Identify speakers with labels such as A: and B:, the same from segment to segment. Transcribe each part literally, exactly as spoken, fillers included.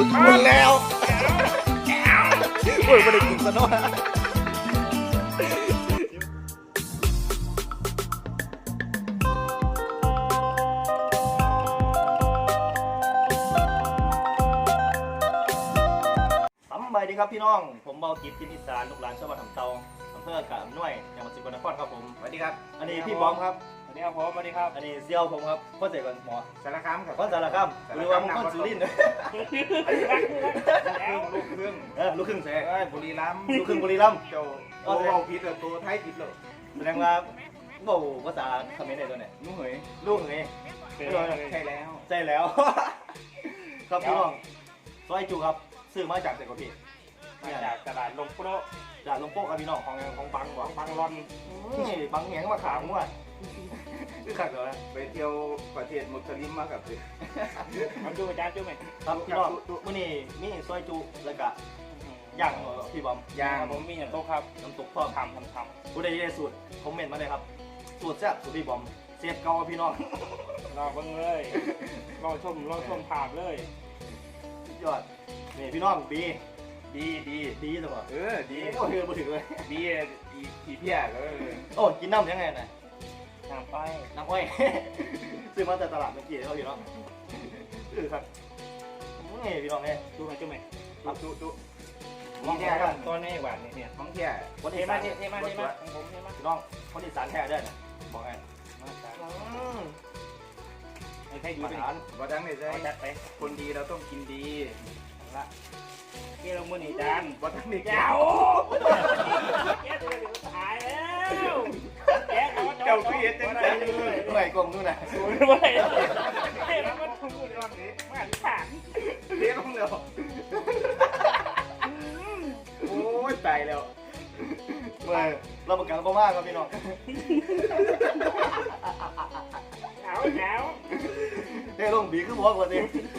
A: ดหมดแล้วโอ้ยไม่ได้กินซะเนาะสวัสดีครับพี่น้องผมเบากิจทินอีสานลูกหลานชาวบ้านทำเตาอำเภอกาบหน่วยจังหวัดสกลนครครับผมสวัสดีครับอันนี้พี่บอมครับ
B: สวัสดีครับผมสวัสดีครับ
A: อันนี้เซียวผมครับพ่อเสกกันหมอ
B: สารคามครับ
A: พ่อสารคามหรือว่ามึงพ่อสุรินทร์
B: ลูกครึ่ง
A: เออลูกครึ่งแสง
B: บุรีรัมย์
A: ลูกครึ่งบุรีรัมย์
B: โจโอ้ผิดเลยตัวไทยผิดเลย
A: แสดงว่าบ่ภาษาเขมรได้ตัวไหน
B: ลูกเหย
A: ลูกเหย
B: ใช่แล้ว
A: ใช่แล้วครับพี่น้องซอยจูครับซื้อมาจากเซกพี่
B: มาจากตลาดลงโป๊ะ
A: จากลงโป๊ะครับพี่น้อง
B: ของของบังหวังบังรอน
A: นี่บังแหงมาขามมั่วคือขัดเหรอ
B: ไปเที่ยวประเทศมุสลิมมากับสิมาดูอาจารย์จูไหม
A: ครับพี่น้องมื่อนี้มีซอยจูแล้วก็ย่างพี่บอม
B: ย่างผมมีอย่างโต๊ะครับ
A: น้ำตกพ่อ
B: ทำทำท
A: ำผู้ใดได้สูตรคอมเมนต์มาเลยครับสูตรแซ่บสูตรพี่บอมเสียบเกาพี่น้อง
B: รอเบิ่งเลยรอชมรอชมภาพเลย
A: ยอดนี่พี่น้องบี
B: ดีดี
A: ดีจังหวะ
B: เออดี
A: โอ้ยมาถึงเลย
B: ดีอีเพี้ยเลย
A: โอ้กินน้ำยังไงน่ะ
B: น้ำอ้อย
A: น้ำอ้อยซื้อมาจากตลาดเมื่อกี้เขาพี่น้องเออครับนี่พี่น้องเนี่ย
B: ดูมาจุ๊บไหม
A: ครับดูดู
B: นี่เนี่ยตัวนี้หวานเนี่ยท้องเที่ย
A: วันเทมาเทมาเทมาของผมเทมาพี่น้องคนอีสานแท้ได้นะบอกไง
B: มาสานไม่ใช่อยู่เป็นบ่ดังเลยใช่
A: จัดไป
B: คนดีเราต้องกินดีละเกี่ยวมือหนีจานบ่ดังนี่
A: แก้ว
B: แก้วเดี๋ยวตายแล้วแก้ว
A: เจ้าคือเอ็ดจังเลยเมื่อยกลมนู่นน่ะ
B: เมื่อยเฮ้ยแล้วมันทุ่งอยู่ในวันนี้มาที่ผ่าน
A: เลี้ยงลงเร็วโอ้ยตายแล้วเมื่อเราประกันก็มากครับพี่น้อง
B: หนาวหนาว
A: เฮ้ยลงบีคือบอกว่าสิ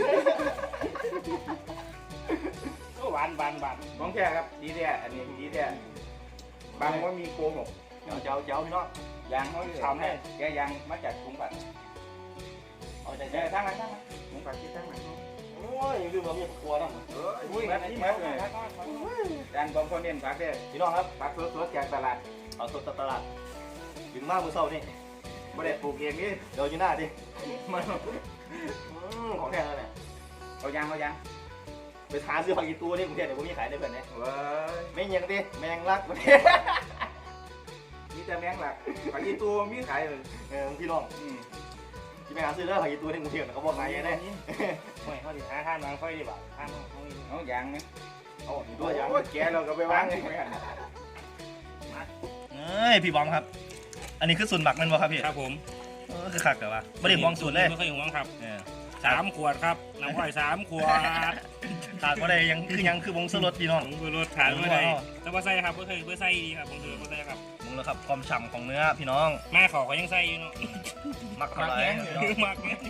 B: ก็หวานหวานหวาน
A: น้องแค่ครับดีแท้อันนี้ดีแท้
B: บางว่ามีโกหก
A: เจ้าเจ้าเจ้าพี่น้อง
B: ยางเขาทำให้แกยางมาจากถุงผัด
A: เอาใจใจ
B: ทั้งนั้นทั้งนั้นถุงผัดที่ทั้งนั้น
A: โอ้ยลืมเรามีครัวนะ
B: เอออุ้ยนี่มาเลยจานบางคนเน้นผักเด้
A: พี่น้องครับ
B: ผักสดๆจากตลาด
A: เอาสดตลาดถึงมากมือเศร้านี่
B: ไม่ได้ปลูกเองนี่
A: เดี๋ยวอยู่หน้าดิมันของแท้แล้วเนี่ย
B: เอายางเอายาง
A: ไปหาซื้อผักอีตัวนี่กรุงเทพเดี๋ยวผมมีขายได้เพื่อนเนี่ยไม่ยังดิแมงลักประเทศ
B: มีแต่แมงลักผักอีตัวมีขายเลย
A: เออพี่น้องที่ไปหาซื้อแล้วผักอีตัวนี่กรุงเทพเขาบอกขายยังไง
B: ไม่เขาดิหาห้ามนางค่อยดีบ่าห้ามเอายางไหม
A: โอ้ตัวยาง
B: แกเราก็ไปวางไว้กัน
A: เอ้ยพี่บอมครับอันนี้คือส่วนหมักมันบ่ครับพี่
B: ครับผม
A: เออคือขักแต่ว่าไม่ได้มองส่วนเลย
B: ไม่เคยมองครับสามขวดครับน้ำอ้อยสามขวด
A: ขาดก็ได้ยังคือยังคือวงสลดพี่น้อง
B: วงสลดขาดไม่ได้แต่ว่าใส่ครับไม่เคยไม่ใส่ดีครับผมถือไม่ใส่ครับ
A: มึงแล้วครับความฉ่ำของเนื้อพี่น้อง
B: แม่ขอเขายังใส่อยู่เนาะ
A: มักอะไร
B: มักเนี่ย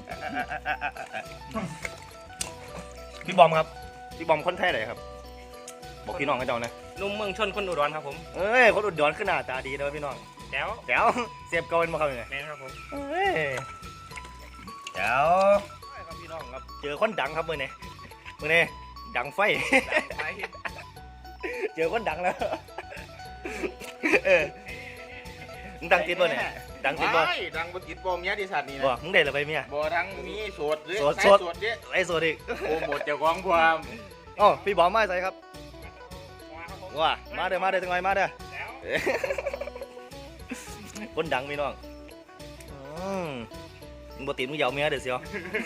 A: พี่บอมครับพี่บอมคนแท้ไหนครับบอกพี่น้องกันเจ้านะ
B: นุ่มเมืองชนคนอุดรครับผม
A: เอ้ยคนอุดรขึ้นหน้าตาดีเลยพี่น้อง
B: แจ๋ว
A: แจ๋วเสียบเกาเป็นมาครับยังไง
B: แม่ครับผม
A: เอ้ยแจ๋วครับพี่น้องครับเจอคนดังครับมือนี้มือนี้ดังไฟเจอคนดังแล้วเออมึงดังติดบ่เนี่ยดังติดบ่
B: ดังบนติดบอมเนี้ยดิสัตว์นี่นะ
A: บ่มึงเด็ดอะไรเมีย
B: บ่ทั้งมีโสดหรือ
A: โสดโสด
B: เนี่ย
A: ไอ้โสดอีก
B: โอ้หมดเจ้าของความ
A: อ๋อพี่บอมมาใส่ครับว้ามาเด้อมาเด้อจังไงมาเด้อคนดังพี่น้องมึงบ่ติดมึงยาวเมียเด้อเสียว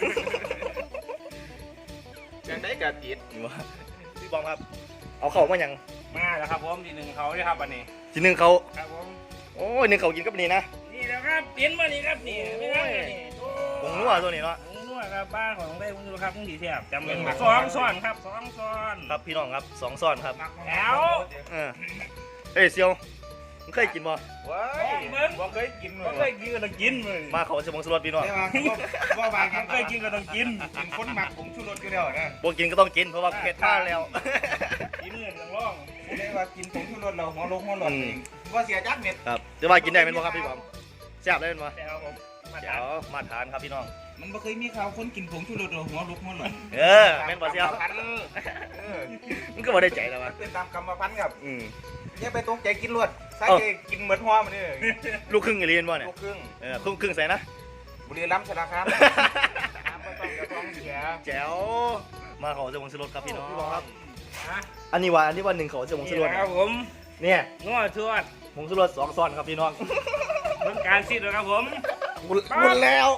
B: ยังได้กระติด
A: พี่บอมครับเอาเข่ามาอย่าง
B: มาแล้วครับผมทีหนึ่งเขาด้วยครับอันนี้
A: ทีหนึ่งเขา
B: ครับผม
A: โอ้ยหนึ่งเขากินกับนี่นะ
B: นี่แล้วครับเปลี่ยนมานี่ครับนี่ไม่ได้นี่
A: ผงนัวตัวนี้เนาะ
B: ผงนัวครับบ้านของได้ผงนัวครับผงดีแซ่บจำเป็นสองซ้อนครับสองซ้อน
A: ครับพี่น้องครับสองซ้อนครับ
B: แล้ว
A: เอ้ยเซียวมึงเคยกินบ่
B: ว้ายบ่เคยกินบ่เคยกินก็ต้องกินเลย
A: มาเขาสมองสลดพี่น้อง
B: บ่บางเคยกินก็ต้องกินกินคนหมักผงชูรสก็ได้นะ
A: บ่กินก็ต้องกินเพราะว่าเผ็ดมากแล้ว
B: กินเงินต้องร้องเรียกว่ากินผงชูรสเราหัวลงหัวหลอดเองว่าเสียจักเม็ด
A: ครับจะว่ากินได้เป็นบ่ครับพี่บอมแซ่บได้เป็นบ่
B: แซ่บผม
A: เดี๋ยวมาทานครับพี่น้อง
B: มันบ่เคยมีข่าวคนกินผงชูรสหัวลุกหัวหล่น
A: เออแม่นบ่เสียว
B: พันเออ
A: มันก็บ่ได้ใจแล้ววะ
B: เป็นตามกรรมพันธุ์ครับ
A: อืม
B: อย่าไปตกใจกินรวดใส่กินเหมือนหัวมันนี่
A: ลูกครึ่งอีเลียนบ่เนี่ย
B: ลูกครึ่ง
A: เออครึ่งครึ่งใส่นะ
B: บุรีรัมย์สารคามน้ำก็ต้องกระท้องเสีย
A: แจ๋วมาขอเสื้อวงสลดครับพี่น้องครับ
B: ฮะ
A: อันนี้ว่าอันนี้ว่าหนึ่งขอเสื้อวงสลด
C: ครับผม
A: เนี่ย
C: ง้อทวด
A: วงสลดสองซ้อนครับพี่น้อง
C: เรื่องการซีดเลยครับผม
A: หมดหมดแล้ว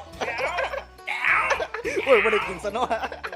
A: โอ้ยไม่ได้กินซะเนาะ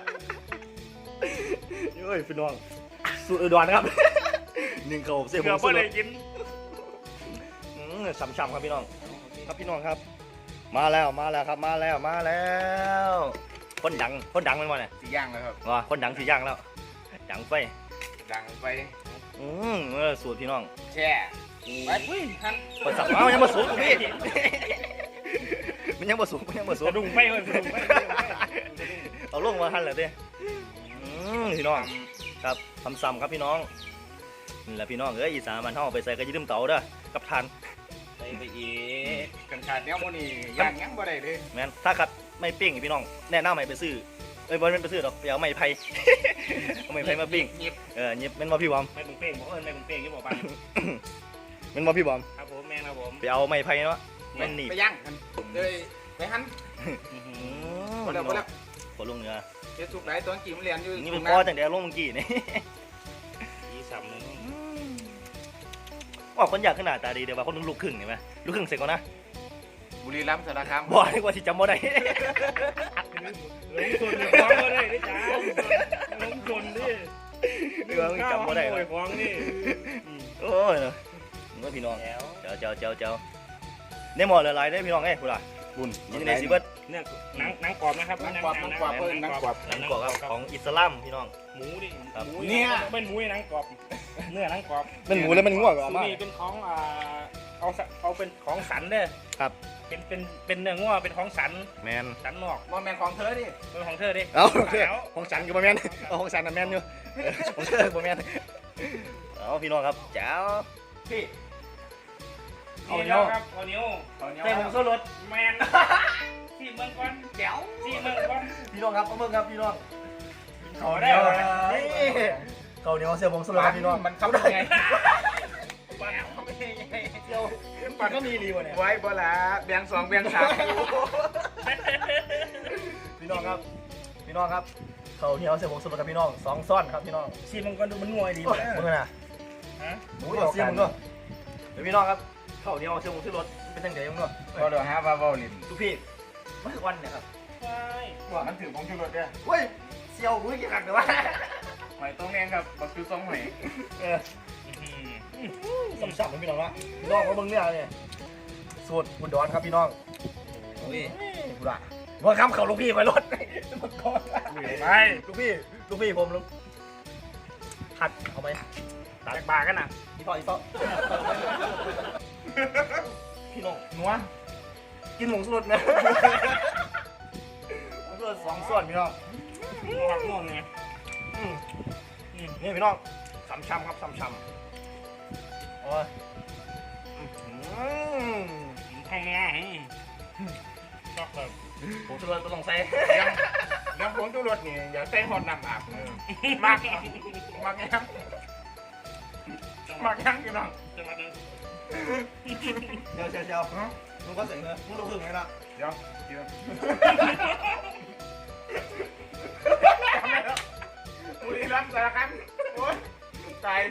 A: เฮ้ยพี่น้องสูตรอุดรครับหนึ่งเขาเสื้อว
C: เกือบ
A: งส
C: ไม่
A: ล
C: ได้
A: ด
C: กิน
A: อืมฉ่ำๆครับพี่น้องครับพี่น้องครับ มาแล้วมาแล้วครับมาแล้วมาแล้วคนดังคนดังเป็นวันไหน
B: สีย่างเลยครับ
A: ว่าคนดังสีย่างแล้วดังไฟ
B: ดังไป
A: อืมเออสูตรพี่น้อง
B: แช่ไปท่าน
A: ภาษาเอายังมาสูงกูพี่มันยังมาสูงมันยังมาสูง
C: กระดุงไปเลยกระดุงไป
A: เอาลงมาทันเหรอเต้อืมพี่น้องครับทำซ้ำครับพี่น้องนี่แหละพี่น้องเอ้ยอีสานมันเท่าไปใส่กระยิ่มเต๋าเด้อกับทาน
C: ไปไปอีก
B: กันขาดเนี้ยมันนี่ย่างยังบ่ได้เลย
A: แม่นถ้าขัดไม่ปิ้งพี่น้องแนะนำให้ไปซื้อเอ้ยบอลเป็นไปซื้อหรอกไปเอาไม้ไผ่ เอาไม้ไผ่มาปิ้ง
B: หยิบ
A: เออเงียบเป็นมาพี่บอม
C: ไม่บุ้งเป้งบอกเอิญไม่บุ้งเป้งที่บอกไป
A: เป็นมาพี่บอม
C: ครับผมแม่ครับผม
A: ไปเอาไม้ไผ่เนาะมันหนีบ
B: ไปย่างกันเลยไปหัน
A: อืม
B: พอแล้วพอแล้ว
A: ขอลงเนื้อ
B: เจ้าสุกไหนตอนกี่มันเรียนอยู่
A: นี่เป็นพ่อจังเดียวลงเมื่อกี้นี่
C: อีสามหนึ่ง
A: ว่าคนอยากขนาดตาดีเดี๋ยวว่าคนนึงลูกครึ่งเห็นไหมลูกครึ่งเสร็จก่อนนะ
B: บุรีรัมย์สารคาม
A: บอกดีกว่าที่จำบ่ได้
C: ลงทุนเลยฟ้องก็ได้ดิจ้าลงทุนดิ
A: เรื่องจำบ่ได้
C: โวยฟ้องนี่
A: โอ้ยเนาะมึงว่าพี่น้อง
C: แล้ว
A: เจ้าเจ้าเจ้าเจ้าในหมอละลายได้พี่น้องเอ้ยคุณล่ะ
B: บุญ
A: ยินดีในซีเบิร์ด
C: เนี่ยหนังหนังกรอบนะครับ
B: นังกรอบนังกรอบเพิ่นนังกรอบ
A: หนังกรอบครับของอิสลามพี่น้อง
C: หมูดิ
A: ครับ
C: หมู
B: เนี่ย
C: เป็นหมูหนังกรอบเนื้อหนังกรอบ
A: เป็นหมูแล้วมันง่วงเหรอ
C: สู
A: มา
C: นี่เป็นของอ่าเอาสเอาเป็นของสันเด้อ
A: ครับ
C: เป็นเป็นเป็นเนื้องัวเป็นของสัน
A: แมน
C: สันนอก
B: บอลแมนของเธอดิ
C: เป็นของเธอดิ
A: เอาโอเค
C: แล้ว
A: ของสันกับแมนเอาของสันกับแมนอยู่ของเธอกับแมนเอาพี่น้องครับเจ้าพี่
C: เอาเหนียวครับเอาเหนียว
B: เอาเนี้ย
A: แต่ผมสู้รถ
C: แมนที่เมืองก่อน
B: แจ๋ว
C: ที่เมืองก่อน
A: พี่น้องครับเอาเบิ่งครับพี่น้อง
C: ขอได้เหรอ
A: นี่เกาเหนียวเสียบงสลดครับพี่น้อง
B: มันเข้าได้ไง
A: เดียวมันก็มีดีวะเนี่ย
B: ไว้บ่ละแบ่งสองแบ่งสาม
A: พี่น้องครับพี่น้องครับเขาเหนียวเสียบงสลดครับพี่น้องสองซ่อนครับพี่น้อง
C: ที่เมืองก่อนดูมันงวยดี
A: โอ้
C: เลย
A: มึงน่ะ
C: ฮะ
A: หมูเดียวเสียมึงก็เดี๋ยวพี่น้องครับเขาเหนียวเสียบงสลดเป็นยังไงมึงก็
B: พอเดี๋ยวหาว่าเว้าลิ้น
A: ทุกพี่ไม่ทุกวันเนี่ยครับ
C: ใช่
B: ว่ามันถือผงชูรสเนี่ย
A: เฮ้ยเสียวมือกี่ครั้งเดี๋ยววะ
B: หอยต้มแมงครับบักคือซองหอย
A: เออสับๆเหมือนพี่น้องละพี่น้องเขาเบิ่งเนี่ยเนี่ยสูตรอุดรครับพี่น้อง
B: อุ้ย
A: กูละว่าคำเขาลูกพี่ไปรถมาก่อน
C: ไป
A: ลูกพี่ลูกพี่ผมลูกหัดเอาไหม
C: ตักบากันนะ
A: อีต่ออีต่อพี่น้อง
B: นัว
A: กินหมูสดนะหมูสดสองส่วนพี่น้อง
C: หักม่วงไง
A: อืมนี่พี่น้องสามช้ำครับสามช้ำโอ้ยอืม
C: ข้างหน้าชอบแบบ
A: หมูสดก็ต้องใส่
B: ยังยังผงชูรสนี่อย่าใส่ฮอตน้ำอาบเออมากมากยังมากยังพี่น้อง
C: จะมาดู
A: เดี๋ยวเดี๋ยวเดี๋ยวมึงก็เสียงเลยมึงรู้สึกไงล่ะ
B: เดี๋ยวเดี๋ยวบุรีรัมย์สารคามโอ้ยตาย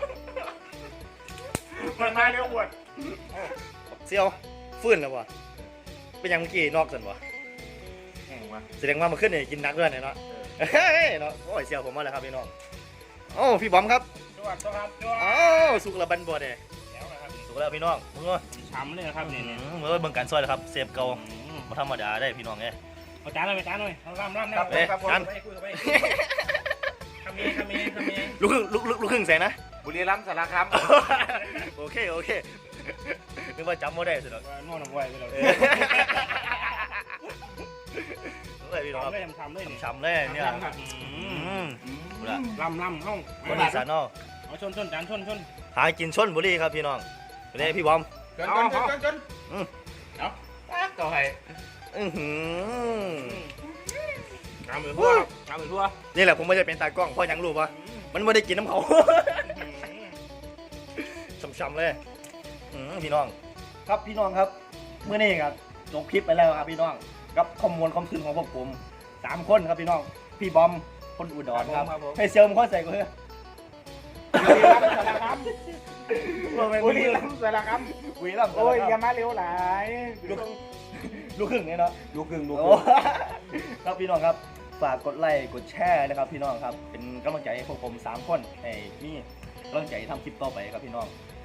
B: มันมาเร็วอวด
A: เซียวฟื้นแล้ววะเป็นยังเมื่อกี้นอกสันวะ
B: แห้งวะ
A: แสดงว่ามันขึ้นเนี่ยกินนักด้วยเนี่ยเนาะเฮ้ยเนาะโอ้ยเซียวผมมาแล้วครับพี่น้องโอ้พี่บอมครับ
C: จวดตัวครับจวด
A: อ้าวสุกละบันบัวเด้
C: แล้วนะครับ
A: สุกแล้วพี่น้องมึงก็
C: ช้ำเลยนะครับเนี่ย
A: เมื่อเบิ่งการซอยแล้วครับเซฟเก่ามาธรรมดาได้พี่น้องเอ้ย
C: เอาจานเลยไปจานเลยเอาล่ำล่ำ
A: ครับ
C: ไป
A: ครับผม
C: ไปคุยกับไปทำเองทำเองทำเอง
A: ลูกครึ่งลูกลูกลูกครึ่งใส่นะ
B: บุรีรัมย์สารคาม
A: โอเคโอเคนึกว่าจำไม่ได้สิหรอก
C: นวดหนังไว้ไปเลย
A: เออเฮ้ยพี่น้องครับ
C: ทำเลยทำเลย
A: ช้ำๆเลยเนี่ยอืมบุรี
C: ล่ำล่ำห้อง
A: คนอีสานเนาะ
C: เอาชนชนจานชนชน
A: หากินชนบุรีครับพี่น้องเด้พี่บอม
B: จนจนจนจนจน
A: อืม
B: เอาปากต่อให้
A: อื้อหือ
C: น้ำเหมือนทั่วน้ำเหมือนทั่ว
A: นี่แหละผมไม่ได้เป็นตากล้องเพราะยังรู้ปะมันไม่ได้กินน้ำเขา ช้ำๆเลยอื้อพี่น้องครับพี่น้องครับเมื่อนี้ครับลงคลิปไปแล้วครับพี่น้องกับข้อมูลความคืนของพวกผมสามคนครับพี่น้องพี่บอมคนอุดรครับให้เซลมข้อใส่กูเถอะ
B: บุรีรัมย์สารคาม
A: บุรีรัมย์
B: โอ้ยอย่ามาเร็วหลาย
A: ลูกลูกครึ่งเนี่ยเนาะ
B: ลูกครึ่งลูกค
A: โอ้
B: รึ่ง
A: ครับพี่น้องครับฝากกดไลค์กดแชร์นะครับพี่น้องครับเป็นกำลังใจให้พวกผมสามคนให้มีกำลังใจทำคลิปต่อไปครับพี่น้อง